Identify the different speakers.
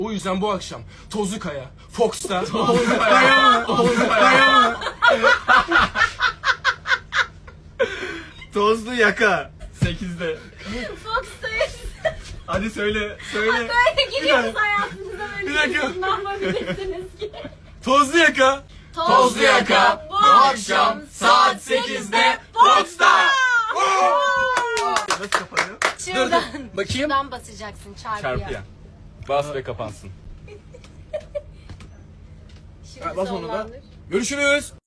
Speaker 1: O yüzden bu akşam Tozlu Kaya, Fox'ta...
Speaker 2: Tozlu Kaya. Tozlu Yaka. 8'de.
Speaker 3: Fox'tayız.
Speaker 2: Hadi söyle. Söyle.
Speaker 3: Böyle giriyoruz hayatınıza.
Speaker 1: Bir dakika.
Speaker 3: Ne yapabilirsiniz ki?
Speaker 1: Tozlu Yaka.
Speaker 2: Tozlu Yaka bu akşam saat 8'de Fox'ta. Nasıl kapanıyor?
Speaker 3: Şuradan.
Speaker 1: Bakayım.
Speaker 3: Şuradan basacaksın çarpıya.
Speaker 2: Çarpıya. Bas ve kapansın.
Speaker 3: Şimdi
Speaker 1: Bas onu da.
Speaker 3: sonlandır.
Speaker 1: Görüşürüz.